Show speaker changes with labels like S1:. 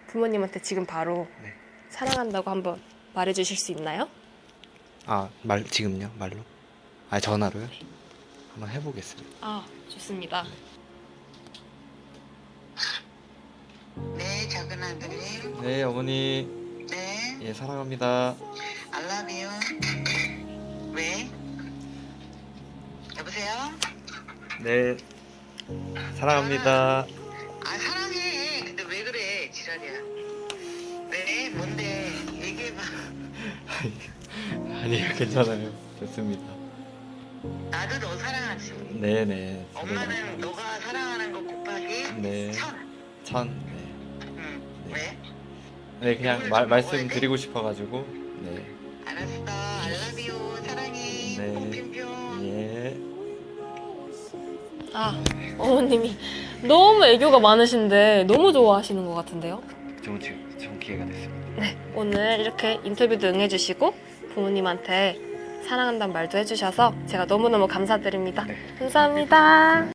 S1: 부모님한테 지금 바로
S2: 네.
S1: 사랑한다고 한번 말해주실 수 있나요?
S2: 지금요? 말로? 전화로요? 한번 해보겠습니다.
S1: 아, 좋습니다.
S3: 네, 작은 아들님.
S2: 네, 어머니.
S3: 네,
S2: 예, 사랑합니다.
S3: I love you. 왜? 여보세요?
S2: 네, 사랑합니다.
S3: 아, 사랑해. 근데 왜 그래, 지랄이야. 왜? 뭔데? 얘기해봐.
S2: 아니요, 괜찮아요. 좋습니다.
S3: 나도 너 사랑하지.
S2: 네네.
S3: 엄마는 너가 사랑하는 거 곱하기
S2: 네.
S3: 1000.
S2: 네.
S3: 응.
S2: 네.
S3: 왜?
S2: 네, 그냥
S3: 이걸 좀
S2: 말씀드리고 싶어가지고. 네.
S3: 알았어. I love you. 사랑해.
S2: 네.
S3: 뿅뿅뿅.
S2: 예.
S1: 아, 어머님이 너무 애교가 많으신데 너무 좋아하시는 것 같은데요?
S2: 좋은 기회가 됐습니다.
S1: 네, 오늘 이렇게 인터뷰도 응해주시고 부모님한테 사랑한다는 말도 해주셔서 제가 너무너무 감사드립니다.
S2: 네.
S1: 감사합니다.